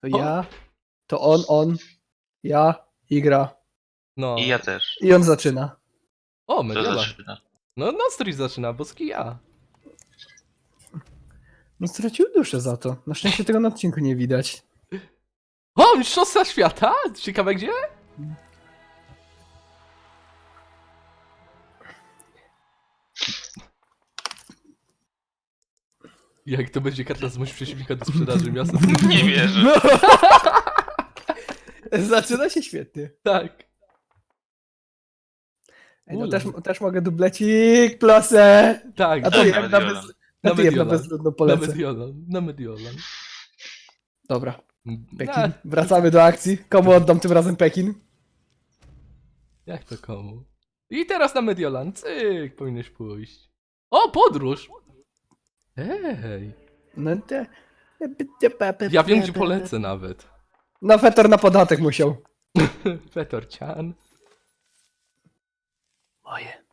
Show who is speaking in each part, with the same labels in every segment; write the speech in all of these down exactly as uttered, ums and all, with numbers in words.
Speaker 1: To ja, to on, on, ja i gra.
Speaker 2: No.
Speaker 3: I ja też.
Speaker 1: I on zaczyna.
Speaker 2: O,
Speaker 3: To
Speaker 2: Mediolan.
Speaker 3: zaczyna.
Speaker 2: No, Nostri zaczyna, boski ja.
Speaker 1: No stracił duszę za to. Na szczęście tego na odcinku nie widać.
Speaker 2: O, mistrzostwa świata? Ciekawe gdzie? Jak to będzie karta zmuś przeciwnika do sprzedaży miasta?
Speaker 3: Nie wierzę.
Speaker 1: No. Zaczyna się świetnie.
Speaker 2: Tak.
Speaker 1: Ej, no
Speaker 2: Ula.
Speaker 1: też, też mogę dublecik, plusę.
Speaker 2: Tak,
Speaker 1: A
Speaker 2: tak.
Speaker 1: to
Speaker 3: na
Speaker 1: ja na,
Speaker 3: Mediolan.
Speaker 1: bez,
Speaker 2: Na
Speaker 1: a ty ja na
Speaker 2: Mediolan.
Speaker 1: bezludną
Speaker 2: Na
Speaker 1: polecę.
Speaker 2: Mediolan, na Mediolan.
Speaker 1: Dobra, Pekin.
Speaker 2: A,
Speaker 1: Wracamy do akcji. Komu oddam tym razem Pekin?
Speaker 2: jak to komu? I teraz na Mediolan, cyk, powinieneś pójść. O, podróż! Ej,
Speaker 1: No te...
Speaker 2: ja wiem gdzie polecę nawet.
Speaker 1: No Fetor na podatek musiał.
Speaker 2: Fetorcian.
Speaker 1: Moje.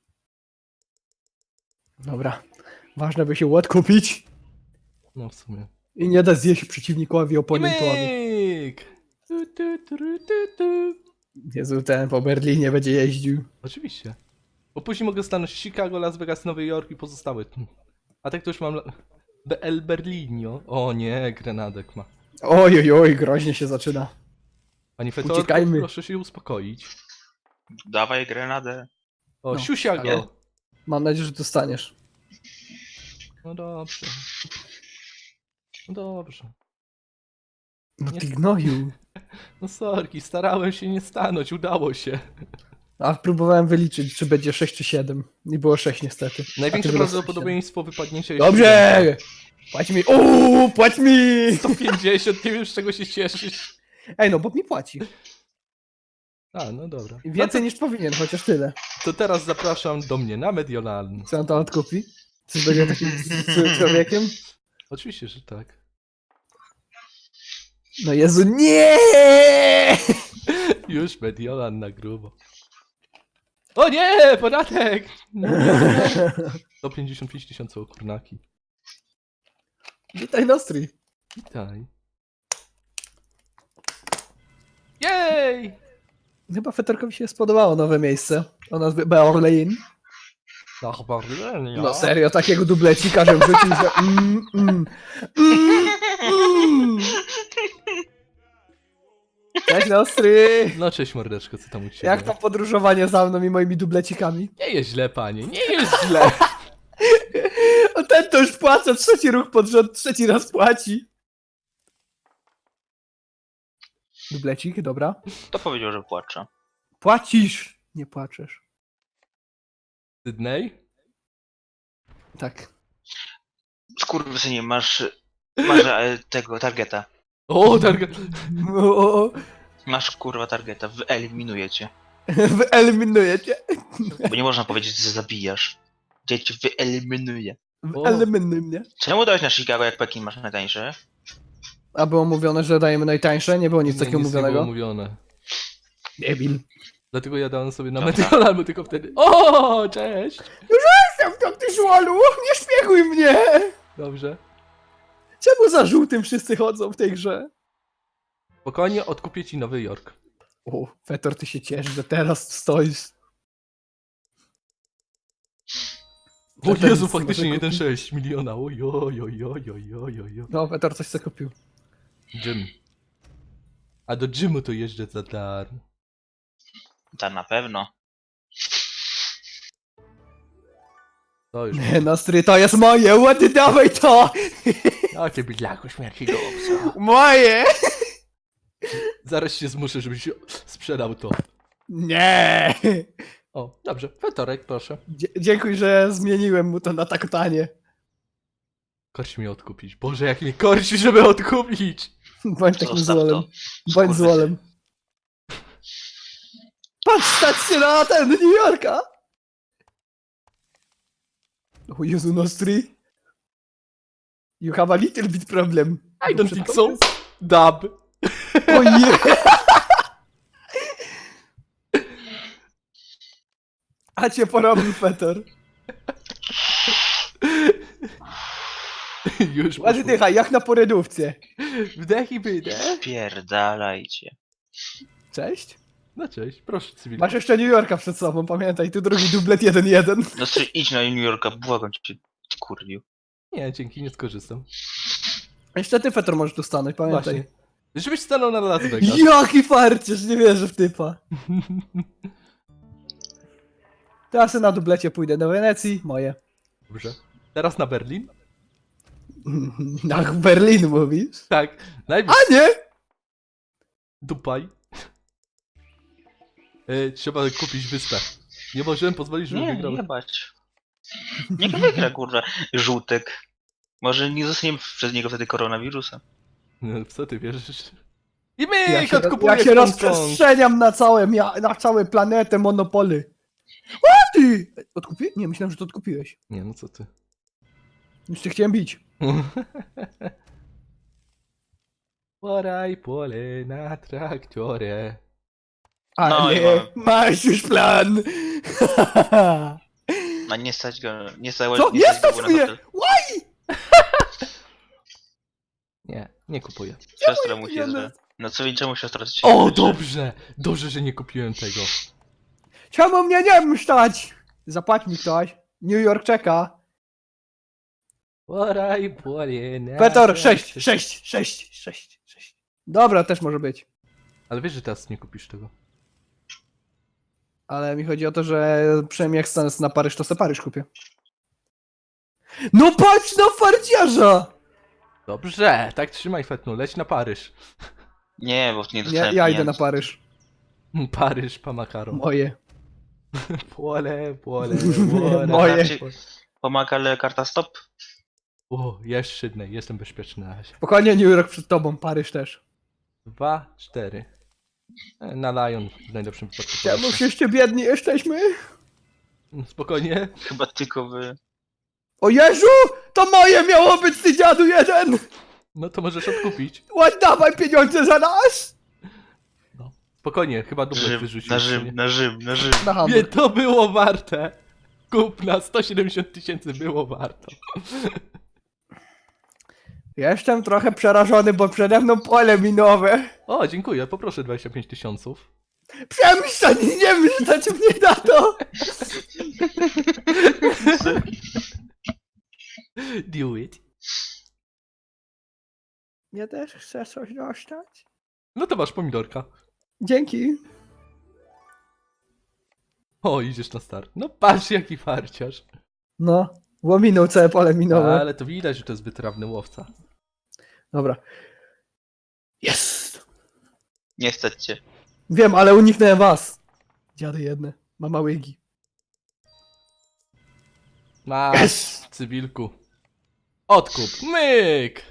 Speaker 1: Dobra. Ważne by się ład kupić
Speaker 2: No w sumie.
Speaker 1: i nie da zjeść przeciwnikowi
Speaker 2: I
Speaker 1: oponentowi.
Speaker 2: myk! Tu, tu, tu, tu, tu.
Speaker 1: Jezu, ten po Berlinie będzie jeździł.
Speaker 2: Oczywiście. Bo później mogę stanąć Chicago, Las Vegas, Nowy Jork i pozostałe. A tak to już mam... la- B L Berlinio. O nie, Grenadek ma.
Speaker 1: Oj, oj, oj, groźnie się zaczyna.
Speaker 2: Pani Fetor,
Speaker 1: Uciekajmy.
Speaker 2: proszę się uspokoić.
Speaker 3: Dawaj grenadę.
Speaker 2: O,
Speaker 1: No,
Speaker 2: siusia
Speaker 3: ale-
Speaker 2: go.
Speaker 1: Mam nadzieję, że dostaniesz.
Speaker 2: No dobrze. No dobrze.
Speaker 1: No
Speaker 2: Nie.
Speaker 1: ty gnoju.
Speaker 2: No sorki, starałem się nie stanąć, udało się.
Speaker 1: A próbowałem wyliczyć, czy będzie sześć czy siedem. I było sześć niestety. A
Speaker 2: Największe
Speaker 1: ty wylosowałeś
Speaker 2: prawdopodobieństwo wypadnięcia
Speaker 1: siedem.
Speaker 2: jest
Speaker 1: Dobrze! Płać mi! Uuu, płać mi!
Speaker 2: sto pięćdziesiąt, nie wiem z czego się cieszysz.
Speaker 1: Ej, no Bob mi płaci.
Speaker 2: A, no dobra.
Speaker 1: I więcej niż powinien, chociaż tyle.
Speaker 2: To teraz zapraszam do mnie na Mediolan.
Speaker 1: Co on to odkupi? Coś będzie takim złym człowiekiem?
Speaker 2: Oczywiście, że tak.
Speaker 1: No Jezu, nie!
Speaker 2: Już Mediolan na grubo. O nie, podatek! sto pięćdziesiąt pięć tysięcy okurnaki.
Speaker 1: Witaj Nostri.
Speaker 2: Witaj. Jej!
Speaker 1: Chyba Fetorkowi się spodobało nowe miejsce. O nazwie Berlin.
Speaker 2: Ach, Berlin,
Speaker 1: No serio, takiego dublecika, że wrzucił, że mm, mm, mm, mm. Cześć Nostri!
Speaker 2: No cześć mordeczko, co tam u ciebie?
Speaker 1: Jak tam podróżowanie za mną i moimi dublecikami?
Speaker 2: Nie jest źle, panie, nie jest źle.
Speaker 1: O ten to już płacze, trzeci ruch pod rząd, trzeci raz płaci. Dublecik, dobra.
Speaker 3: To powiedział, że płacze.
Speaker 1: Płacisz! Nie płaczesz.
Speaker 2: Sydney?
Speaker 1: Tak.
Speaker 3: Skurwysynie, masz... Masz e, tego targeta.
Speaker 2: O, target.
Speaker 1: O, o, o.
Speaker 3: Masz kurwa targeta, wyeliminuję cię.
Speaker 1: Wyeliminuję cię.
Speaker 3: Bo nie można powiedzieć, że zabijasz. Ja cię wyeliminuję.
Speaker 1: Wyeliminuj mnie.
Speaker 3: Czemu dałeś na Chicago, jak Pekin masz najtańszy?
Speaker 1: A było mówione, że dajemy najtańsze? Nie było nic
Speaker 2: Nie,
Speaker 1: takiego
Speaker 2: nic nie było
Speaker 1: mówionego?
Speaker 2: mówione.
Speaker 1: Debil.
Speaker 2: Dlatego ja dałem sobie na
Speaker 3: Dobra.
Speaker 2: Mediolan, bo tylko wtedy... O, cześć!
Speaker 1: Jestem tam, ty żłalu! Nie szpieguj mnie!
Speaker 2: Dobrze.
Speaker 1: Czemu za żółtym wszyscy chodzą w tej grze?
Speaker 2: Spokojnie, odkupię ci Nowy Jork.
Speaker 1: O, Fetor, ty się ciesz, że teraz stoisz.
Speaker 2: O
Speaker 1: Fetor
Speaker 2: Jezu,
Speaker 1: nic nie
Speaker 2: faktycznie
Speaker 1: może
Speaker 2: jeden
Speaker 1: kupić.
Speaker 2: przecinek sześć miliona. Oj, oj, oj, oj, oj, oj, oj.
Speaker 1: No, Fetor coś sobie kupił.
Speaker 2: Gym. A do gymu to jeżdżę za darmo.
Speaker 3: Ta na pewno.
Speaker 2: To już.
Speaker 1: Nie, Nostry, to jest moje, ładnie dawaj to!
Speaker 2: Jakie bydlaku śmierci go obsa.
Speaker 1: Moje!
Speaker 2: Zaraz się zmuszę, żebyś sprzedał to.
Speaker 1: Nie!
Speaker 2: O, dobrze. Fetorek, proszę.
Speaker 1: Dzie- dziękuję, że zmieniłem mu to na tak tanie.
Speaker 2: Korci mnie odkupić. Boże, jak mnie korci, żeby odkupić!
Speaker 1: Bądź takim
Speaker 3: Zostaw
Speaker 1: złolem.
Speaker 3: to.
Speaker 1: Bądź
Speaker 3: Skurwysyn.
Speaker 1: złolem. Patrz, stać się na ten New Yorka! O Jezu, Nostri. You have a little bit problem.
Speaker 2: I don't think so. Dub.
Speaker 1: O nie! A cię porobił Fetor.
Speaker 2: Już
Speaker 1: Ładnie
Speaker 2: poszło.
Speaker 1: dychaj, jak na porydówce.
Speaker 2: Wdech i wydech.
Speaker 3: Spierdalajcie.
Speaker 1: Cześć.
Speaker 2: No cześć, proszę cywilku.
Speaker 1: Masz jeszcze New Yorka przed sobą, pamiętaj, tu drugi dublet jeden jeden.
Speaker 3: No ty idź na New Yorka, błagam cię, ty kurwiu.
Speaker 2: Nie, dzięki, nie skorzystam.
Speaker 1: Jeszcze ty, Fetor, możesz tu stanąć, pamiętaj.
Speaker 2: Właśnie. Żebyś stanął na Las Vegas.
Speaker 1: Jaki farciarz, nie wierzę w typa. Teraz na dublecie pójdę do Wenecji, moje.
Speaker 2: Dobrze. Teraz na Berlin?
Speaker 1: Ach, Berlin mówisz?
Speaker 2: Tak. Najpierw
Speaker 1: A nie!
Speaker 2: Dubaj. E, trzeba kupić wyspę. Nie możemy pozwolić, żeby
Speaker 3: Nie,
Speaker 2: wygrał.
Speaker 3: nie bać. Niech wygra, kurwa, żółtek. Może nie zostaniemy przez niego wtedy koronawirusem.
Speaker 2: No, w co ty wierzysz? I my
Speaker 1: Ja się,
Speaker 2: odkupujemy
Speaker 1: ja się
Speaker 2: Hongkong.
Speaker 1: rozprzestrzeniam na całe, mia- na całą planetę monopoly. O ty! Odkupiłeś? Nie, myślałem, że to odkupiłeś.
Speaker 2: Nie, no co ty.
Speaker 1: Już cię chciałem bić.
Speaker 2: Poraj pole na traktorze.
Speaker 1: Ale
Speaker 3: No i mamy.
Speaker 1: masz już plan.
Speaker 3: A nie stać go, nie stać,
Speaker 1: Co? Nie
Speaker 3: stać
Speaker 1: stać
Speaker 3: go na
Speaker 1: mnie!
Speaker 3: hotel.
Speaker 2: Nie, nie kupuję.
Speaker 3: Siostra musi
Speaker 1: pieniądze.
Speaker 3: zwe. No co czemu siostra ci
Speaker 2: O,
Speaker 3: życzy?
Speaker 2: dobrze! Dobrze, że nie kupiłem tego.
Speaker 1: Czemu mnie nie msztać? Zapłać mi ktoś. New York czeka.
Speaker 2: Poraj pole na
Speaker 1: Petor,
Speaker 2: traktorze.
Speaker 1: sześć, sześć, sześć, sześć, sześć. Dobra, też może być.
Speaker 2: Ale wiesz, że teraz nie kupisz tego.
Speaker 1: Ale mi chodzi o to, że przynajmniej jak stanę na Paryż, to se Paryż kupię. No patrz na farciarza!
Speaker 2: Dobrze, tak trzymaj Fetnu, leć na Paryż.
Speaker 3: Nie, bo nie
Speaker 1: Ja,
Speaker 3: dostałem
Speaker 1: ja idę na
Speaker 3: pieniędzy.
Speaker 1: Paryż.
Speaker 2: Paryż, pa makaron.
Speaker 1: Moje.
Speaker 2: Pole, pole, pole.
Speaker 1: Moje.
Speaker 3: Pomaga ale karta stop?
Speaker 2: O, jest Sydney, jestem bezpieczny na razie.
Speaker 1: Spokojnie, New York przed tobą, Paryż też.
Speaker 2: Dwa, cztery. E, Na Lion w najlepszym wypadku.
Speaker 1: Czemu
Speaker 2: polecę.
Speaker 1: jeszcze biedni jesteśmy?
Speaker 2: Spokojnie.
Speaker 3: Chyba tylko wy.
Speaker 1: O Jezu! To moje miało być, ty dziadu jeden!
Speaker 2: No to możesz odkupić.
Speaker 1: Oddawaj pieniądze za nas!
Speaker 2: Spokojnie, chyba dublet
Speaker 3: Rzym,
Speaker 2: wyrzucił.
Speaker 3: na
Speaker 2: czy
Speaker 3: Rzym,
Speaker 2: nie?
Speaker 3: na Rzym, na Rzym.
Speaker 1: Na
Speaker 2: Nie,
Speaker 1: Hamburg.
Speaker 2: to było warte. Kup na sto siedemdziesiąt tysięcy było warto.
Speaker 1: Jestem trochę przerażony, bo przede mną pole minowe.
Speaker 2: O, dziękuję, poproszę dwadzieścia pięć tysiąców.
Speaker 1: Przemyśleć, nie myśleć mnie na to!
Speaker 2: Do it.
Speaker 1: Ja też chcę coś dostać.
Speaker 2: No to masz pomidorka.
Speaker 1: Dzięki.
Speaker 2: O, idziesz na start. No patrz jaki farciarz.
Speaker 1: No, łominął całe pole minowe.
Speaker 2: Ale to widać, że to jest wytrawny łowca.
Speaker 1: Dobra. Jest!
Speaker 3: Nie stać cię.
Speaker 1: Wiem, ale uniknąłem was. Dziady jedne. Mama łygi.
Speaker 2: Masz,
Speaker 1: Yes!
Speaker 2: cywilku. Odkup. Myk!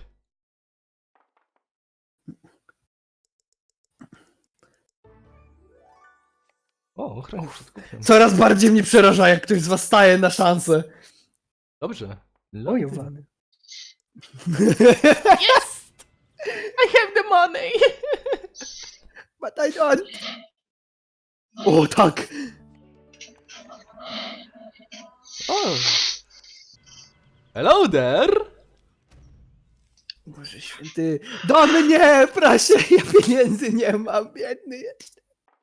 Speaker 2: O, ochrona przed kupnem.
Speaker 1: Coraz bardziej mnie przeraża, jak ktoś z was staje na szansę.
Speaker 2: Dobrze.
Speaker 1: Oj, Wany.
Speaker 2: Yes! I have the money!
Speaker 1: But I don't. O, tak.
Speaker 2: O. Hello there!
Speaker 1: Boże święty. Do mnie, proszę, ja pieniędzy nie mam, biedny jest.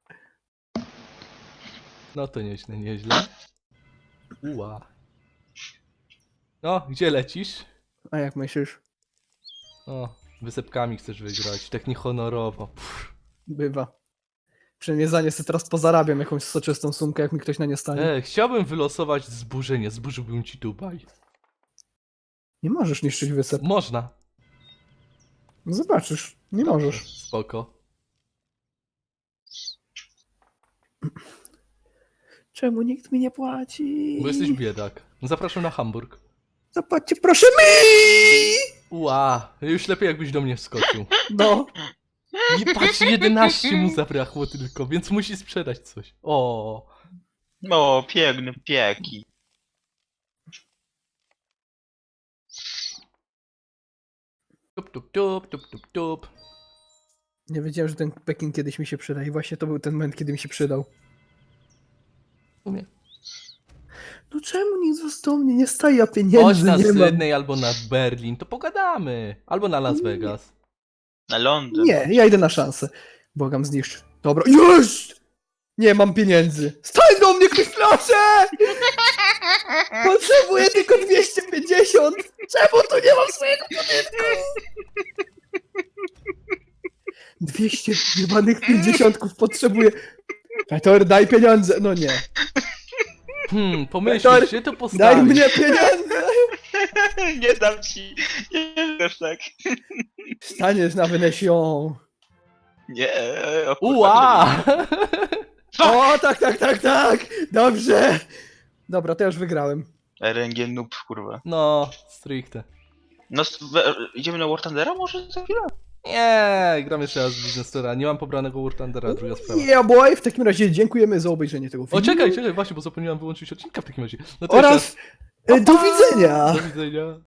Speaker 2: No to nieźle, nieźle. Ua. No, gdzie lecisz?
Speaker 1: A jak myślisz?
Speaker 2: O, wysepkami chcesz wygrać, tak niehonorowo. Pff.
Speaker 1: Bywa. Przynajmniej za nie sobie teraz pozarabiam jakąś soczystą sumkę, jak mi ktoś na nie stanie.
Speaker 2: E, chciałbym wylosować zburzenie, zburzyłbym ci Dubaj.
Speaker 1: Nie możesz niszczyć wysep.
Speaker 2: Można.
Speaker 1: No zobaczysz, nie możesz.
Speaker 2: Spoko.
Speaker 1: Czemu nikt mi nie płaci?
Speaker 2: Bo jesteś biedak. Zapraszam na Hamburg.
Speaker 1: Zapłaćcie proszę mi!
Speaker 2: Ua, już lepiej jakbyś do mnie wskoczył.
Speaker 1: No.
Speaker 2: Nie patrz, jedenaście mu zabrakło tylko, więc musi sprzedać coś. O,
Speaker 3: O, piękny pieki.
Speaker 2: tup tup tup tup tup tup.
Speaker 1: Nie wiedziałem, że ten Pekin kiedyś mi się przyda i właśnie to był ten moment, kiedy mi się przydał.
Speaker 2: W sumie.
Speaker 1: No czemu nikt został mnie nie staje, ja
Speaker 2: Chodź
Speaker 1: pieniędzy
Speaker 2: na
Speaker 1: nie mam.
Speaker 2: Sydney albo na Berlin, to pogadamy. Albo na Las Vegas.
Speaker 3: Na Londyn.
Speaker 1: Nie, ja idę na szansę. Bogam zniszczy. Dobra, już! Nie mam pieniędzy. Stań do mnie ktoś, proszę! Potrzebuję tylko dwieście pięćdziesiąt. Czemu tu nie mam swojego budynku? dwieście jebanych pięćdziesiątków potrzebuję. Petor, daj pieniądze. No nie.
Speaker 2: Hmm, pomyśl,
Speaker 1: Peter,
Speaker 2: gdzie to
Speaker 1: Daj
Speaker 2: postawić?
Speaker 1: mnie pieniądze.
Speaker 3: Nie dam ci. Nie wiesz tak.
Speaker 1: Staniesz na Venecią.
Speaker 3: Nie. O, kurwa,
Speaker 2: Ua!
Speaker 1: O, tak, tak, tak, tak. Dobrze. Dobra, to ja już wygrałem.
Speaker 3: R N G noob, kurwa.
Speaker 2: No, stricte.
Speaker 3: No, s- we, idziemy na War Thundera może za chwilę?
Speaker 2: Nie, gram jeszcze raz w Business Tora. Nie mam pobranego War Thundera, druga sprawa.
Speaker 1: Yeah boy, w takim razie dziękujemy za obejrzenie tego filmu.
Speaker 2: O, czekaj, czekaj, właśnie, bo zapomniałem wyłączyć odcinka w takim razie. No to jeszcze
Speaker 1: Oraz e, do widzenia.
Speaker 2: raz. Do widzenia.